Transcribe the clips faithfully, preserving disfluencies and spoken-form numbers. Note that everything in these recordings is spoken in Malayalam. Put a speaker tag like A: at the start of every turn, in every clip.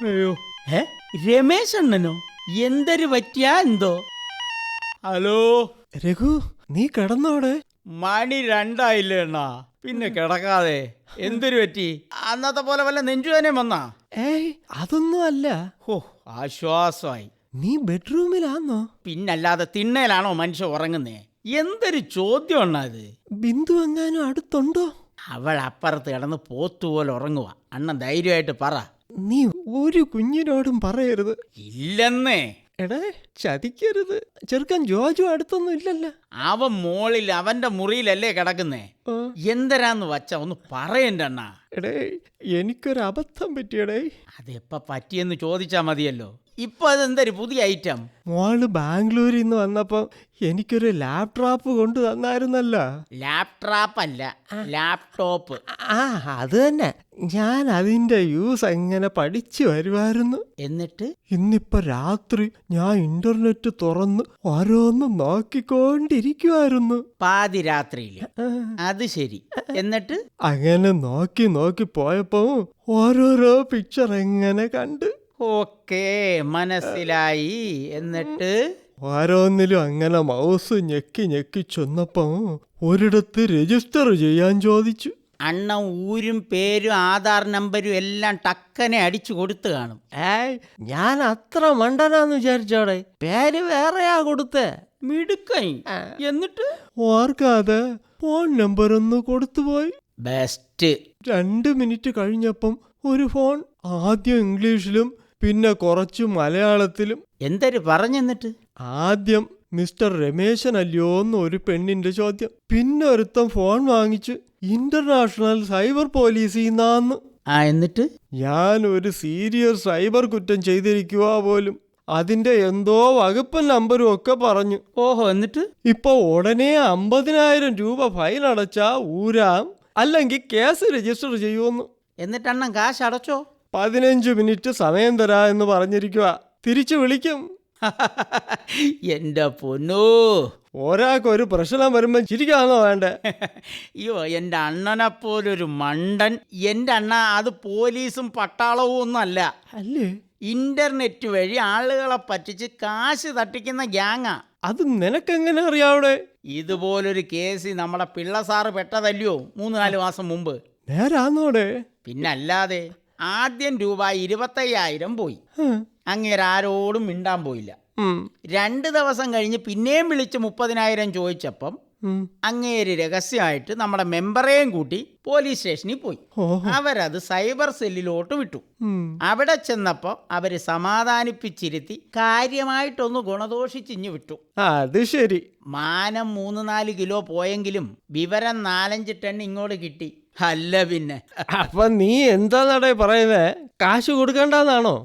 A: അയ്യോ ഏ രമേശ് അണ്ണനോ? എന്തൊരു പറ്റിയാ എന്തോ? ഹലോ
B: രഘു, നീ കിടന്നോടെ?
A: മണി രണ്ടായില്ലേ അണ്ണാ, പിന്നെ കിടക്കാതെ എന്തൊരു പറ്റി? അന്നത്തെ പോലെ വല്ല നെഞ്ചുവേനയും വന്നാ?
B: ഏയ് അതൊന്നും അല്ല.
A: ഹോ, ആശ്വാസമായി.
B: നീ ബെഡ്റൂമിലാന്നോ?
A: പിന്നല്ലാതെ തിണ്ണയിലാണോ മനുഷ്യ ഉറങ്ങുന്നേ? എന്തൊരു ചോദ്യം അണ്ണാ ഇത്.
B: ബിന്ദു എങ്ങാനും അടുത്തുണ്ടോ?
A: അവൾ അപ്പുറത്ത് കിടന്ന് പോത്തുപോലെ ഉറങ്ങുക. അണ്ണൻ ധൈര്യമായിട്ട് പറ.
B: നീ ഒരു കുഞ്ഞിനോടും പറയരുത്.
A: ഇല്ലെന്നേ.
B: എടേ ചതിക്കരുത്. ചെറുക്കൻ ജോജു അടുത്തൊന്നും ഇല്ലല്ലോ.
A: അവൻ മോളിൽ അവന്റെ മുറിയിലല്ലേ കിടക്കുന്നേ. എന്തരാന്ന് വച്ച ഒന്ന് പറയണ്ട അണ്ണാ.
B: എടേ എനിക്കൊരു അബദ്ധം പറ്റിയടേ.
A: അതെപ്പ പറ്റിയെന്ന് ചോദിച്ചാ മതിയല്ലോ. ഇപ്പൊ അതെന്തൊരു പുതിയ ഐറ്റം?
B: മോള് ബാംഗ്ലൂരിൽ നിന്ന് വന്നപ്പോ എനിക്കൊരു ലാപ്ടോപ്പ് കൊണ്ടു തന്നായിരുന്നല്ലോ.
A: ലാപ്ടോപ്പ് അല്ല, ലാപ്ടോപ്പ്.
B: ആ അത് തന്നെ. ഞാൻ അതിന്റെ യൂസ് എങ്ങനെ പഠിച്ചു വരുമായിരുന്നു.
A: എന്നിട്ട്
B: ഇന്നിപ്പോ രാത്രി ഞാൻ ഇന്റർനെറ്റ് തുറന്ന് ഓരോന്നും നോക്കിക്കൊണ്ടിരിക്കുവായിരുന്നു.
A: പാതിരാത്രിയില്? അത് ശരി. എന്നിട്ട്
B: അങ്ങനെ നോക്കി നോക്കി പോയപ്പോ ഓരോരോ പിക്ചർ എങ്ങനെ കണ്ട്.
A: ഓക്കേ, മനസ്സിലായി. എന്നിട്ട്
B: ഓരോന്നിലും അങ്ങനെ മൗസ് ഞെക്കി ഞെക്കി ചെന്നപ്പോ ഒരിടത്ത് രജിസ്റ്റർ ചെയ്യാൻ ചോദിച്ചു.
A: അണ്ണ ഊരും പേരും ആധാർ നമ്പരും എല്ലാം ടക്കനെ അടിച്ചു കൊടുത്തു കാണും.
B: ഏയ് ഞാൻ അത്ര മണ്ടനാന്ന് വിചാരിച്ചോടെ. പേര് വേറെയാ കൊടുത്തേ.
A: മിടുക്കൈ. എന്നിട്ട്
B: ഓർക്കാതെ ഫോൺ നമ്പർ ഒന്ന് കൊടുത്തുപോയി.
A: ബെസ്റ്റ്.
B: രണ്ട് മിനിറ്റ് കഴിഞ്ഞപ്പം ഒരു ഫോൺ. ആദ്യം ഇംഗ്ലീഷിലും പിന്നെ കുറച്ച് മലയാളത്തിലും.
A: എന്തൊരു പറഞ്ഞെന്നിട്ട്?
B: ആദ്യം മിസ്റ്റർ രമേശൻ അല്ലയോ എന്ന് ഒരു പെണ്ണിന്റെ ചോദ്യം. പിന്നെ ഒരുത്തം ഫോൺ വാങ്ങിച്ച് ഇന്റർനാഷണൽ സൈബർ പോലീസിൽ നിന്നാന്ന്.
A: ആ എന്നിട്ട്
B: ഞാൻ ഒരു സീരിയസ് സൈബർ കുറ്റം ചെയ്തിരിക്കുക പോലും. അതിന്റെ എന്തോ വകുപ്പ് നമ്പരും ഒക്കെ പറഞ്ഞു.
A: ഓഹോ, എന്നിട്ട്
B: ഇപ്പൊ ഉടനെ അമ്പതിനായിരം രൂപ ഫൈൻ അടച്ചാ ഊരാം, അല്ലെങ്കിൽ കേസ് രജിസ്റ്റർ ചെയ്യുമെന്ന്.
A: എന്നിട്ട് അണ്ണൻ കാശ് അടച്ചോ?
B: പതിനഞ്ച് മിനിറ്റ് സമയം തരാ എന്ന് പറഞ്ഞിരിക്കുക. തിരിച്ചു വിളിക്കും.
A: എന്റെ പൊന്നോ,
B: ഒരാൾക്കൊരു പ്രശ്നം വരുമ്പോ ചിരിക്കാന്നോ വേണ്ടേ?
A: അയ്യോ, എൻ്റെ അണ്ണനെപ്പോലൊരു മണ്ടൻ. എൻ്റെ അണ്ണ അത് പോലീസും പട്ടാളവും ഒന്നും അല്ല.
B: അല്ലേ?
A: ഇന്റർനെറ്റ് വഴി ആളുകളെ പറ്റിച്ച് കാശ് തട്ടിക്കുന്ന ഗ്യാങ്ങാ.
B: അത് നിനക്കെങ്ങനെ അറിയാവിടെ?
A: ഇതുപോലൊരു കേസ് നമ്മളെ പിള്ള സാറ് പെട്ടതല്ലയോ മൂന്ന് നാല് മാസം മുമ്പ്.
B: നേരാന്നോടെ?
A: പിന്നല്ലാതെ. ആദ്യം രൂപ ഇരുപത്തയ്യായിരം പോയി. അങ്ങേരാരോടും മിണ്ടാൻ പോയില്ല. രണ്ട് ദിവസം കഴിഞ്ഞ് പിന്നെയും വിളിച്ച് മുപ്പതിനായിരം ചോദിച്ചപ്പം അങ്ങേര് രഹസ്യമായിട്ട് നമ്മുടെ മെമ്പറേയും കൂട്ടി പോലീസ് സ്റ്റേഷനിൽ പോയി. അവരത് സൈബർ സെല്ലിലോട്ട് വിട്ടു. അവിടെ ചെന്നപ്പോ അവര് സമാധാനിപ്പിച്ചിരുത്തി കാര്യമായിട്ടൊന്ന് ഗുണദോഷിച്ചിഞ്ഞു വിട്ടു.
B: അത് ശരി.
A: മാനം മൂന്ന് നാല് കിലോ പോയെങ്കിലും വിവരം നാലഞ്ച് ടൺ ഇങ്ങോട്ട് കിട്ടി. അല്ല പിന്നെ.
B: അപ്പൊ നീ എന്താ നടേ പറയുന്നേ? കാശ് കൊടുക്കണ്ടെന്നാണോ?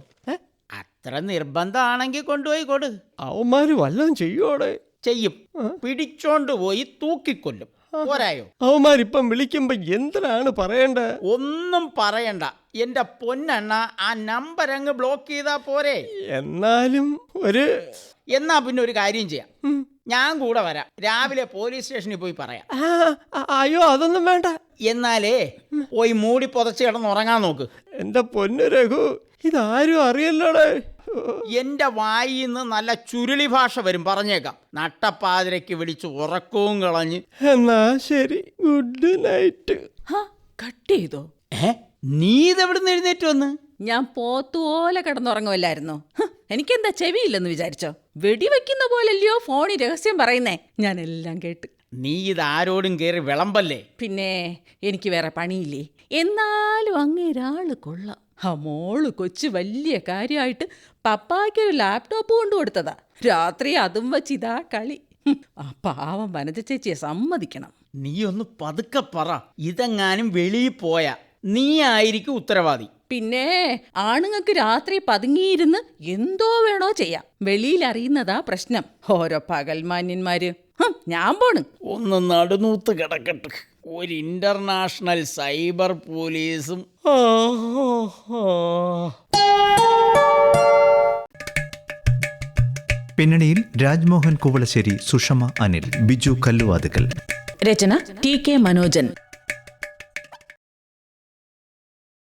A: അത്ര നിർബന്ധമാണെങ്കിൽ കൊണ്ടുപോയി കൊടു.
B: അവന്മാര് വല്ലതും ചെയ്യോടെ?
A: ചെയ്യും. പിടിച്ചോണ്ട് പോയി തൂക്കിക്കൊല്ലും. പോരായോ?
B: അവന്മാരിപ്പം വിളിക്കുമ്പോ എന്തിനാണ് പറയണ്ടേ?
A: ഒന്നും പറയണ്ട എന്റെ പൊന്നണ്ണ. ആ നമ്പർ അങ്ങ് ബ്ലോക്ക് ചെയ്താ പോരെ?
B: എന്നാലും ഒരു
A: എന്നാ പിന്നെ ഒരു കാര്യം ചെയ്യാം, ഞാൻ കൂടെ വരാം. രാവിലെ പോലീസ് സ്റ്റേഷനിൽ പോയി പറയാം.
B: അയ്യോ അതൊന്നും വേണ്ട.
A: എന്നാലേ പോയി മൂടി പുതച്ച് കിടന്ന് ഉറങ്ങാൻ നോക്ക്.
B: എന്റെ പൊന്നു രഘു, ഇതാരും അറിയല്ലോടെ.
A: എന്റെ വായിൽ നിന്ന് നല്ല ചുരുളി ഭാഷ വരും, പറഞ്ഞേക്കാം. നട്ടപ്പാതിരയ്ക്ക് വിളിച്ച് ഉറക്കവും കളഞ്ഞ്.
B: എന്നാ ശരി, ഗുഡ് നൈറ്റ്.
C: കട്ട് ചെയ്തോ?
A: ഏ നീ ഇതെവിടുന്ന് എഴുന്നേറ്റ് വന്ന്?
C: ഞാൻ പോത്തുപോലെ കിടന്നുറങ്ങുമല്ലായിരുന്നോ? എനിക്കെന്താ ചെവിയില്ലെന്ന് വിചാരിച്ചോ? വെടിവെക്കുന്ന പോലല്ലയോ ഫോണിൽ രഹസ്യം പറയുന്നേ. ഞാൻ എല്ലാം കേട്ട്.
A: നീ ഇതാരോടും കയറി വിളമ്പല്ലേ?
C: പിന്നെ എനിക്ക് വേറെ പണിയില്ലേ? എന്നാലും അങ്ങേരാള് കൊള്ളാം. ആ മോള് കൊച്ചു വലിയ കാര്യമായിട്ട് പപ്പായ്ക്കൊരു ലാപ്ടോപ്പ് കൊണ്ടു കൊടുത്തതാ. രാത്രി അതും വച്ച് ഇതാ കളി. ആ പാവം വനജ ചേച്ചിയെ സമ്മതിക്കണം.
A: നീ ഒന്ന് പതുക്കെ പറ. ഇതെങ്ങാനും വെളിയിൽ പോയാ നീ ആയിരിക്കും ഉത്തരവാദി.
C: പിന്നെ ആണുങ്ങൾക്ക് രാത്രി പതുങ്ങിയിരുന്ന് എന്തോ വേണോ ചെയ്യാം. വെളിയിൽ അറിയുന്നതാ പ്രശ്നം. ഓരോ പകൽമാന്യന്മാര്. ഞാൻ പോണ്.
A: ഒന്ന് നടുനൂത്ത് കിടക്കട്ടെ. ഒരു ഇന്റർനാഷണൽ സൈബർ പോലീസും.
D: പിന്നണിയിൽ രാജ്മോഹൻ കുവളശ്ശേരി, സുഷമ അനിൽ, ബിജു കല്ലുവാതുക്കൽ.
C: രചന ടി കെ മനോജൻ.